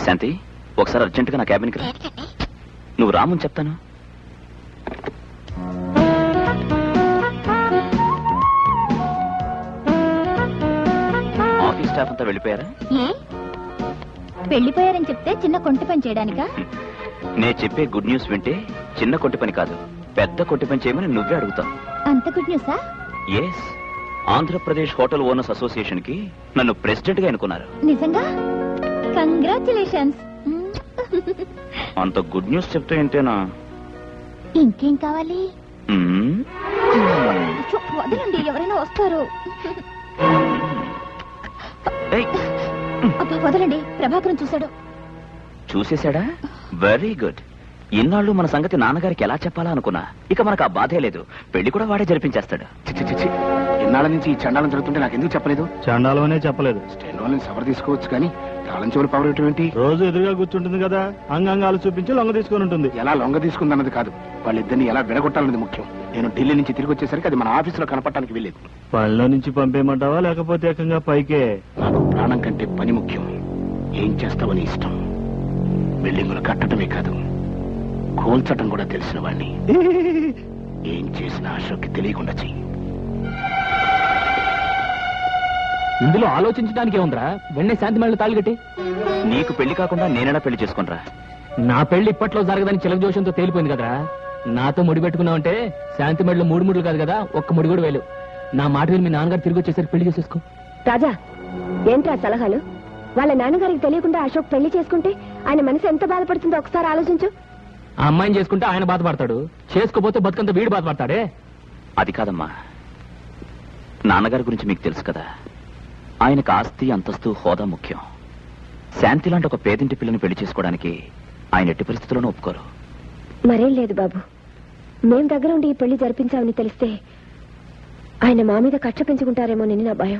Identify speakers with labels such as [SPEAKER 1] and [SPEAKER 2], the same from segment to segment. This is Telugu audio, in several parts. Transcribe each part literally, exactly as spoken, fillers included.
[SPEAKER 1] శాంతి, ఒకసారి అర్జెంటుగా నా క్యాబిన్కి రా. నువ్వు రామని చెప్తాను. ఆఫీస్ స్టాఫ్ అంతా వెళ్ళిపోయారా?
[SPEAKER 2] వెళ్ళిపోయారని చెప్తే చిన్న కొంటి పని చేయడానికా?
[SPEAKER 1] నే చెప్పే గుడ్ న్యూస్ వింటే చిన్న కొట్టి పని కాదు, పెద్ద కొట్టి పని చేయమని నువ్వే అడుగుతావు.
[SPEAKER 2] అంత గుడ్ న్యూసా?
[SPEAKER 1] Yes, Andhra Pradesh hotel owners association కి నన్ను ప్రెసిడెంట్ గా ఎన్నుకున్నారు.
[SPEAKER 2] నిజంగా? కంగ్రాచులేషన్స్.
[SPEAKER 1] అంత గుడ్ న్యూస్ చెప్తే ఏంటేనా?
[SPEAKER 2] ఇంకేం కావాలి? వదలండి, ఎవరైనా వస్తారు. అబ్బా వదలండి, ప్రభాకరం చూశాడు.
[SPEAKER 1] చూసేశాడా? Very good. ఇన్నాళ్ళు మన సంగతి నాన్నగారికి ఎలా చెప్పాలా అనుకున్నా. ఇక మనకు ఆ బాధే లేదు, పెళ్లి కూడా వాడే జరిపించేస్తాడు.
[SPEAKER 3] ఇన్నాళ్ళ నుంచి ఈ చండాలం జరుగుతుంటే నాకు ఎందుకు చెప్పలేదు?
[SPEAKER 4] చండాలం అనే చెప్పలేదు.
[SPEAKER 3] స్టెనోని సవర్ తీసుకోవచ్చు కానీ తాళం చెవులు పవర్ ఏంటి?
[SPEAKER 4] రోజు ఎదురుగా కూర్చుంటుంది కదా, అంగాంగాలు చూపించి లొంగ తీసుకుని ఉంటుంది.
[SPEAKER 3] ఎలా లొంగ తీసుకుందన్నది కాదు, వాళ్ళిద్దరిని ఎలా విడగొట్టాలన్నది ముఖ్యం. నేను ఢిల్లీ నుంచి తిరిగి వచ్చేసరికి అది మన ఆఫీసులో కనపడటానికి వెళ్ళేది.
[SPEAKER 4] పనిలో నుంచి పంపేయమంటావా లేకపోతే ఏకంగా పైకే?
[SPEAKER 3] నాకు ప్రాణం కంటే పని ముఖ్యం. ఏం చేస్తావని ఇష్టం. బిల్డింగులు కట్టడమే కాదు, కోల్చటం కూడా తెలిసిన వాణ్ణి. ఏం చేసినా అశోక్కి తెలియకుండా చెయ్యి.
[SPEAKER 5] ఇందులో ఆలోచించడానికి ఏముందిరా? వెంటనే శాంతి మేళ తాళి కట్టి.
[SPEAKER 1] నీకు పెళ్లి కాకుండా నేనైనా పెళ్లి చేసుకునరా?
[SPEAKER 5] నా పెళ్లి ఇప్పట్లో జరగదని చిలక జోషంతో తేలిపోయింది కదరా. నాతో ముడి పెట్టుకున్నావంటే శాంతి మేళలో మూడు ముడులు కాదు కదా, ఒక్క ముడి కూడా వేలు. నా మాట విని మీ నాన్నగారు తిరిగి వచ్చేసరికి పెళ్లి చేసేసుకో.
[SPEAKER 6] రాజా, ఏంట్రా సలహాలు? వాళ్ళ నాన్నగారికి తెలియకుండా అశోక్ పెళ్లి చేసుకుంటే ఆయన మనసు ఎంత బాధపడుతుందో ఒకసారి ఆలోచించు.
[SPEAKER 5] ఆ అమ్మాయిని చేసుకుంటే ఆయన బాధపడతాడు, చేసుకోపోతే బతుకంత వీడు బాధపడతాడే.
[SPEAKER 1] అది కాదమ్మా, నాన్నగారి గురించి మీకు తెలుసు కదా. ఆయనకు ఆస్తి, అంతస్తు, హోదా ముఖ్యం. శాంతి లాంటి ఒక పేదింటి పిల్లని పెళ్లి చేసుకోవడానికి ఆయన ఎట్టి పరిస్థితుల్లోనూ ఒప్పుకోరు.
[SPEAKER 6] మరేం లేదు బాబు, మేం దగ్గర ఉండి ఈ పెళ్లి జరిపించామని తెలిస్తే ఆయన మా మీద కక్ష పెంచుకుంటారేమోనని నా భయం.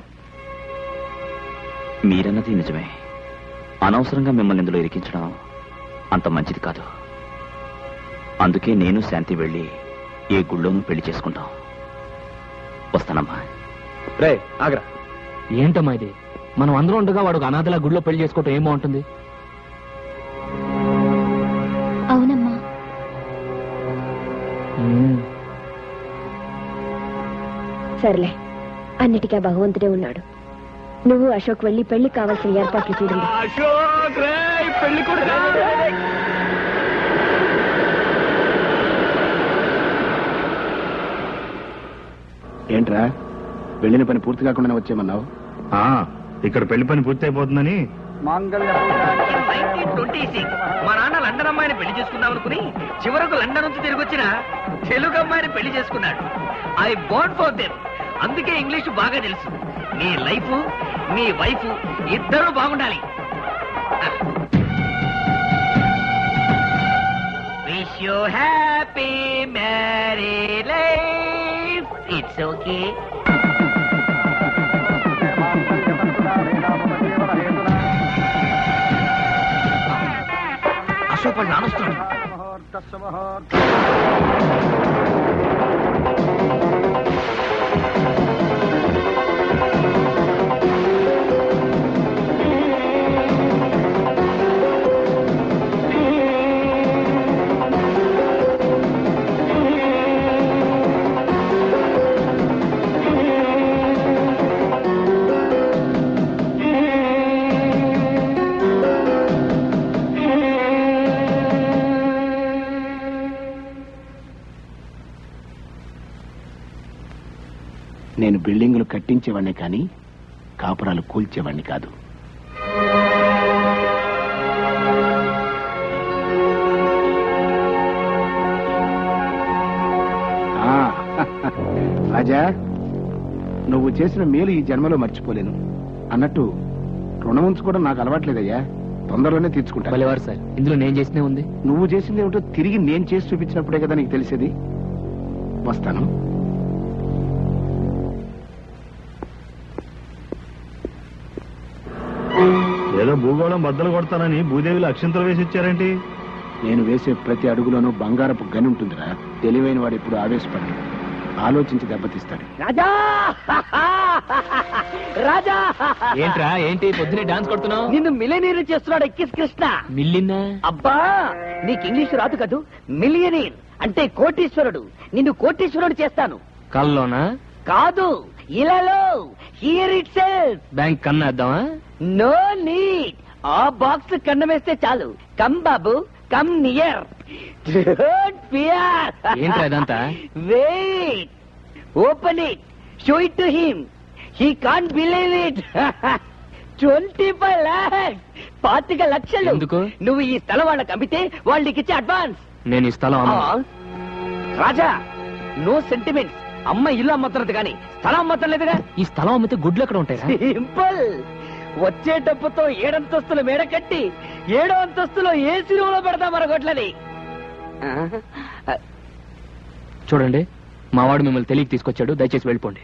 [SPEAKER 1] మీరన్నది నిజమే. అనవసరంగా మిమ్మల్ని ఇందులో ఇరికించడం అంత మంచిది కాదు. అందుకే నేను శాంతి వెళ్ళి ఏ గుళ్ళోనూ పెళ్లి చేసుకుంటాం. వస్తానమ్మా.
[SPEAKER 5] రే ఆగ్రా. ఏంటమ్మా ఇది? మనం అందరూ ఉండగా వాడు అనాథలా గుడిలో పెళ్లి చేసుకోవటం ఏం బాగుంటుంది?
[SPEAKER 2] అవునమ్మా.
[SPEAKER 6] సర్లే, అన్నిటికీ భగవంతుడే ఉన్నాడు. నువ్వు అశోక్ వెళ్ళి పెళ్లి కావాల్సిన ఏర్పాట్లు చూడండి.
[SPEAKER 3] ఏంట్రా, వెళ్ళిన పని పూర్తి కాకుండా వచ్చేయమన్నావు?
[SPEAKER 4] ఇక్కడ పెళ్లి పని పూర్తి అయిపోతుందని.
[SPEAKER 7] మా నాన్న లండన్ అమ్మాయిని పెళ్లి చేసుకుందాం అనుకుని చివరకు లండన్ నుంచి తిరిగి వచ్చిన తెలుగు అమ్మాయిని పెళ్లి చేసుకున్నాడు. I born for them. అందుకే ఇంగ్లీష్ బాగా తెలుసు. నీ లైఫ్, నీ వైఫ్ ఇద్దరు బాగుండాలి. Wish you happy marry life. It's okay. Ashok వాళ్ళు నానొస్తున్నాడు.
[SPEAKER 3] నేను బిల్డింగులు కట్టించేవాడిని కానీ కాపురాలు కూల్చేవాడిని కాదు. రాజా, నువ్వు చేసిన మేలు ఈ జన్మలో మర్చిపోలేను. అన్నట్టు రుణం ఉంచుకోవడం నాకు అలవాట్లేదయ్యా, తొందరలోనే తీర్చుకుంటా.
[SPEAKER 5] సార్, ఇందులో నేను చేసినే ఉంది.
[SPEAKER 3] నువ్వు చేసింది ఏమిటో తిరిగి నేను చేసి చూపించినప్పుడే కదా నీకు తెలిసేది. వస్తాను.
[SPEAKER 4] ఏదో భూగోళం బద్దలు కొడతానని భూదేవిలో అక్షంతలు వేసి ఇచ్చారేంటి?
[SPEAKER 3] నేను వేసే ప్రతి అడుగులోనూ బంగారపు గని ఉంటుందిరా. తెలివైన వాడు ఇప్పుడు ఆవేశపడ్డాడు. ఆలోచించి దెబ్బతీస్తాడు.
[SPEAKER 7] రాజా రాజా
[SPEAKER 5] ఏంట్రా ఏంటి పొద్దునే డాన్స్ కొడుతున్నావు?
[SPEAKER 7] నిన్ను మిలియనీర్ చేస్తున్నాడు ఎక్కిస్ కృష్ణ.
[SPEAKER 5] మిల్లిన్నా?
[SPEAKER 7] అబ్బా నీకు ఇంగ్లీష్ రాదు కదూ. మిలియనీర్ అంటే కోటీశ్వరుడు. నిన్ను కోటీశ్వరుడు చేస్తాను.
[SPEAKER 5] కల్లోనా?
[SPEAKER 7] కాదు, ఇలాలో. Here itself.
[SPEAKER 5] బ్యాంక్ కన్నా వేద్దామా?
[SPEAKER 7] No need. ఆ బాక్స్ కన్నం వేస్తే చాలు. కమ్ బాబు, కమ్ నియర్. Don't fear.
[SPEAKER 5] ఏంట్రా ఇదంతా?
[SPEAKER 7] Wait, open it, show it to him. He can't believe it. Twenty five lakhs, పాతిక లక్షలు.
[SPEAKER 5] ఎందుకు?
[SPEAKER 7] నువ్వు ఈ స్థలం వాళ్ళకి అమ్మితే వాళ్ళకి ఇచ్చే అడ్వాన్స్.
[SPEAKER 5] నేను ఈ స్థలం అమ్మను.
[SPEAKER 7] Raja, no sentiments. అమ్మ ఇల్లు అమ్మతున్నది కానీ స్థలం అమ్మతలేదుగా.
[SPEAKER 5] ఈ స్థలం అమ్మితే గుడ్లు ఎక్కడ ఉంటాయి?
[SPEAKER 7] సింపుల్. వచ్చే డబ్బుతో ఏడంతస్తుల మేడ కట్టి ఏడో అంతస్తులో ఏసీ రూమ్ లో పెడతా మరొకట్లని.
[SPEAKER 5] చూడండి, మావాడు మిమ్మల్ని తెలియక తీసుకొచ్చాడు, దయచేసి వెళ్ళిపోండి.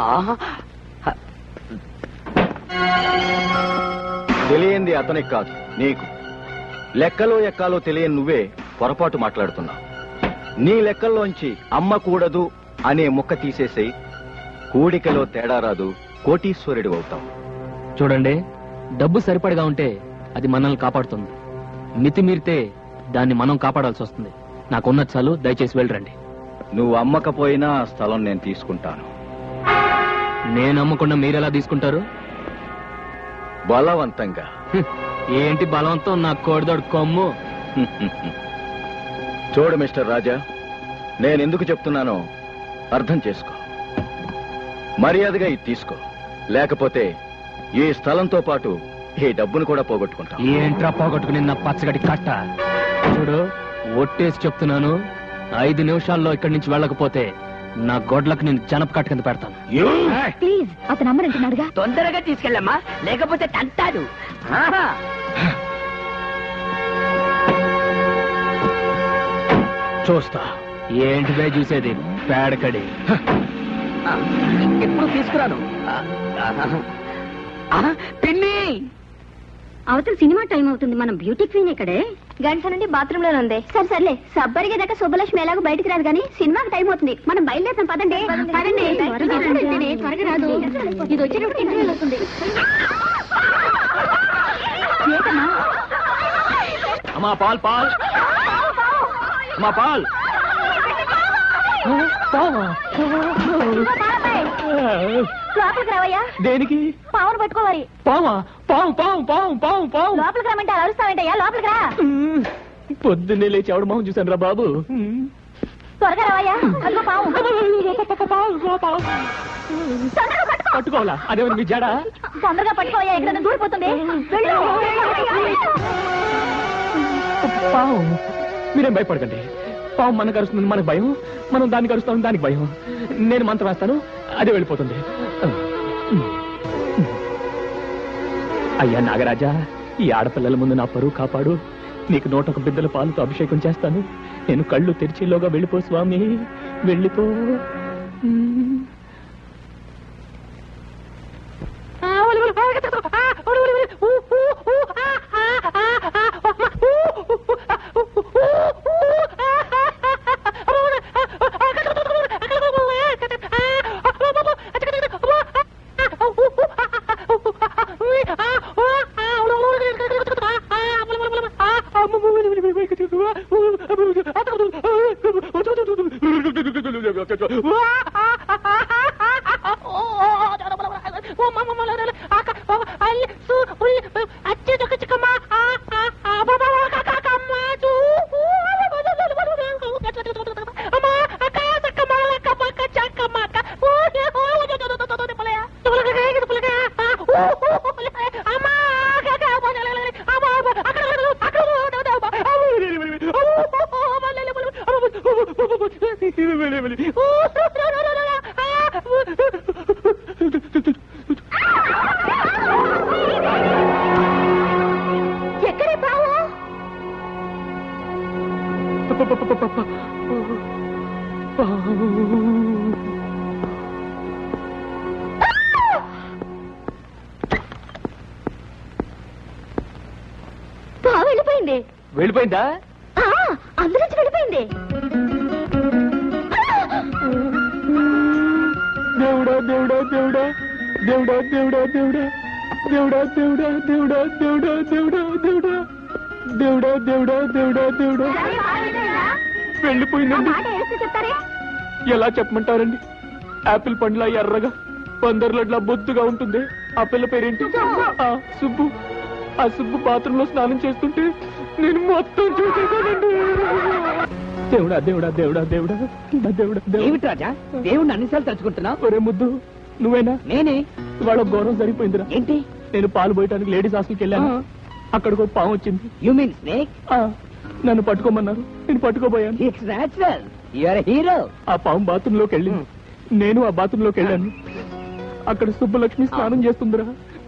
[SPEAKER 8] తెలియంది అతనికి కాదు, నీకు. లెక్కలో ఎక్కాలో తెలియని నువ్వే పొరపాటు మాట్లాడుతున్నావు. నీ లెక్కల్లోంచి అమ్మ కూడదు అనే ముక్క తీసేసి కూడికలో తేడా రాదు, కోటీశ్వరుడు అవుతావు.
[SPEAKER 5] చూడండి, డబ్బు సరిపడగా ఉంటే అది మనల్ని కాపాడుతుంది. మితిమీరితే దాన్ని మనం కాపాడాల్సి వస్తుంది. నాకున్న చాలు, దయచేసి వెళ్ళరండి.
[SPEAKER 8] నువ్వు అమ్మకపోయినా ఆ స్థలం నేను తీసుకుంటాను.
[SPEAKER 5] నేను అమ్మకుండా మీరెలా తీసుకుంటారు?
[SPEAKER 8] బలవంతంగా.
[SPEAKER 5] హ్మ్. ఏంటి బలవంతం? నా కోడిదోడు కొమ్ము.
[SPEAKER 8] చూడు మిస్టర్ రాజా, నేనెందుకు చెప్తున్నానో అర్థం చేసుకో. మర్యాదగా ఇది తీసుకో, లేకపోతే ఈ స్థలంతో పాటు ఈ డబ్బును కూడా పోగొట్టుకుంటా.
[SPEAKER 5] ఏంట్రా పోగొట్టుకుని నా పచ్చగడి కట్ట? చూడు, ఒట్టేసి చెప్తున్నాను, ఐదు నిమిషాల్లో ఇక్కడి నుంచి వెళ్ళకపోతే నా గొడ్లకు నేను జనప కట్ట కింద పెడతాను.
[SPEAKER 2] ప్లీజ్, అతను అమ్మనంటున్నాడుగా.
[SPEAKER 7] తొందరగా తీసుకెళ్ళమ్మా, లేకపోతే తంటాడు. ఆహా.
[SPEAKER 5] చూస్తా. ఏంటిదే చూసేది? పేడకడి.
[SPEAKER 7] ఎప్పుడు తీసుకురాను. పిన్ని,
[SPEAKER 2] అవతల సినిమా టైం అవుతుంది. మనం బ్యూటీ క్వీన్ ఇక్కడే. గంట నుండి బాత్రూమ్ లోనే ఉంది. సరే సర్లే, సబ్బరిగే దాకా శుభలక్ష్మి ఎలాగో బయటికి రాదు కానీ సినిమాకి టైం అవుతుంది. మనం బయలుదేరుతాం. పదండి పదండి. త్వరగా రాదు, ఇది వచ్చేటప్పుడు ఇంటర్వ్యూలు వస్తుంది. ఏంటమ్మా?
[SPEAKER 5] అమ్మా పాల్ పాల్ అమ్మా పాల్.
[SPEAKER 2] లోపలికి రావయ్యా.
[SPEAKER 5] దేనికి?
[SPEAKER 2] పావును పట్టుకోవాలి.
[SPEAKER 5] పావా? పావు పావు పావు పావు పావు.
[SPEAKER 2] లోపలికి రమ్మంటే అరుస్తావేంటయ్యా? లోపలికి రా.
[SPEAKER 5] పొద్దున్నే లేచి ఎవడు మొహం చూశాను రా బాబు.
[SPEAKER 2] త్వరగా రావయ్యా. అదిగో పావు. తొందరగా పట్టుకో.
[SPEAKER 5] పట్టుకోవాలా? అదేమన్నా మీ జడ?
[SPEAKER 2] తొందరగా పట్టుకోవయ్యా, ఎక్కడ దూరిపోతుంది. వెళ్ళు.
[SPEAKER 5] పావు. మీరేం భయపడకండి. పావు మనకు అరుస్తుంది, మనకు భయం. మనం దానికి అరుస్తాం, దానికి భయం. నేను మంత్రం వేస్తాను, అదే వెళ్ళిపోతుంది. అయ్యా నాగరాజా, ఈ ఆడపిల్లల ముందు నా పరువు కాపాడు. నీకు నూట ఒక బిడ్డల పాలతో అభిషేకం చేస్తాను. నేను కళ్ళు తెరిచేలోగా వెళ్ళిపో స్వామి, వెళ్ళిపో.
[SPEAKER 2] ఎక్కడే పావు? పావు వెళ్ళిపోయింది.
[SPEAKER 5] వెళ్ళిపోయిందా?
[SPEAKER 2] అందులోంచి వెళ్ళిపోయింది.
[SPEAKER 5] దేవుడా దేవుడా దేవుడా దేవుడా దేవుడా దేవుడా దేవుడా దేవుడా దేవుడా దేవుడా దేవుడా దేవుడా దేవుడా దేవుడా దేవుడా వెళ్ళిపోయిందండి. ఎలా చెప్పమంటారండి? యాపిల్ పండ్లా ఎర్రగా పందర్లట్లా బొత్తుగా ఉంటుంది. ఆ పిల్ల పేరేంటి? ఆ సుబ్బు. ఆ సుబ్బు బాత్రూమ్ లో స్నానం చేస్తుంటే నేను మొత్తం చూసేసానండి. దేవుడా దేవుడా దేవుడా దేవుడా దేవుడా
[SPEAKER 7] ఏమిటి రాజా దేవుణ్ణి అన్నిసార్లు తలుచుకుంటున్నావు?
[SPEAKER 5] ఒరే ముద్దు, నువ్వేనా?
[SPEAKER 7] నేనే.
[SPEAKER 5] ఇవాళ ఘోరం సరిపోయిందిరా.
[SPEAKER 7] ఏంటి?
[SPEAKER 5] నేను పాలు పోయటానికి లేడీస్ హాస్టల్కి వెళ్ళాను. అక్కడికి ఒక పాము వచ్చింది.
[SPEAKER 7] You mean snake?
[SPEAKER 5] ఆ, నన్ను పట్టుకోమన్నారు. నేను పట్టుకోబోయాను.
[SPEAKER 7] It's natural. You are hero.
[SPEAKER 5] ఆ పాము బాత్రూమ్ లోకి వెళ్ళింది. నేను ఆ బాత్రూమ్ లోకి వెళ్ళాను. అక్కడ సుబ్బలక్ష్మి స్నానం చేస్తుందిరా.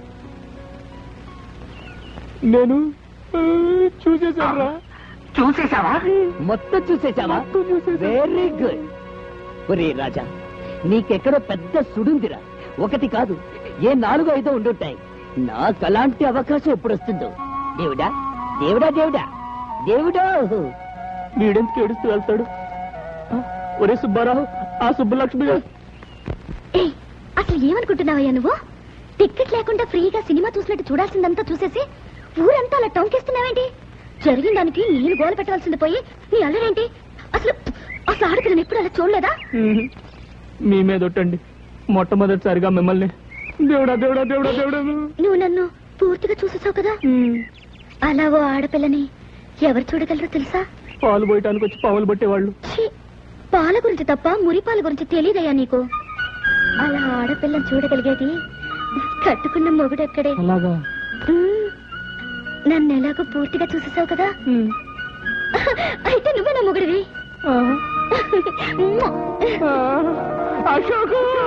[SPEAKER 5] నేను ఆ, చూసేశానురా.
[SPEAKER 7] చూసేసావా? మొత్తం చూసేసావా?
[SPEAKER 5] మొత్తం చూసేశాను.
[SPEAKER 7] Very good. ఒరే రాజా, నీకెక్కడో పెద్ద సుడుందిరా. ఒకటి కాదు, ఏ నాలుగు ఐదో ఉండుంటాయి. నాకు అలాంటి అవకాశం ఎప్పుడు వస్తుందో. దేవుడా దేవుడా దేవుడా దేవుడా.
[SPEAKER 5] వీడెందుకు ఏడుస్తూ వెళ్తాడు? ఆ, ఒరే సుబ్బారావు, ఆ సుబ్బలక్ష్మి
[SPEAKER 2] ఏయ్, అసలు ఏమనుకుంటున్నావయ్యా నువ్వు? టికెట్ లేకుండా ఫ్రీగా సినిమా చూసినట్టు చూడాల్సిందంతా చూసేసి ఊరంతా అలా టొంకేస్తున్నావేంటి? జరిగిన దానికి నేను గోల పెట్టాల్సింది పోయి నీ అల్లరేంటి? అసలు అసలు ఆడపిల్లని ఎప్పుడు అలా చూడలేదా?
[SPEAKER 5] మీ మీద ఒట్టండి, మొట్టమొదటిసారిగా మిమ్మల్ని. దేవుడా దేవుడా దేవుడా దేవుడా.
[SPEAKER 2] నువ్వు నన్ను పూర్తిగా చూసేసావు కదా. అలా ఓ ఆడపిల్లని ఎవరు చూడగలరో తెలుసా?
[SPEAKER 5] పాలు పోయటానికి వచ్చి పాములు పట్టేవాళ్ళు.
[SPEAKER 2] ఛీ, పాల గురించి తప్ప మురిపాల గురించి తెలియదయ్యా నీకు. అలా ఆడపిల్లని చూడగలిగేది కట్టుకున్న మొగుడెక్కడే.
[SPEAKER 5] అలాగా?
[SPEAKER 2] ఉమ్, నన్ను ఎలాగో పూర్తిగా చూసేసావు కదా. అయితే నువ్వే నా మొగుడివి.
[SPEAKER 5] అశోకు.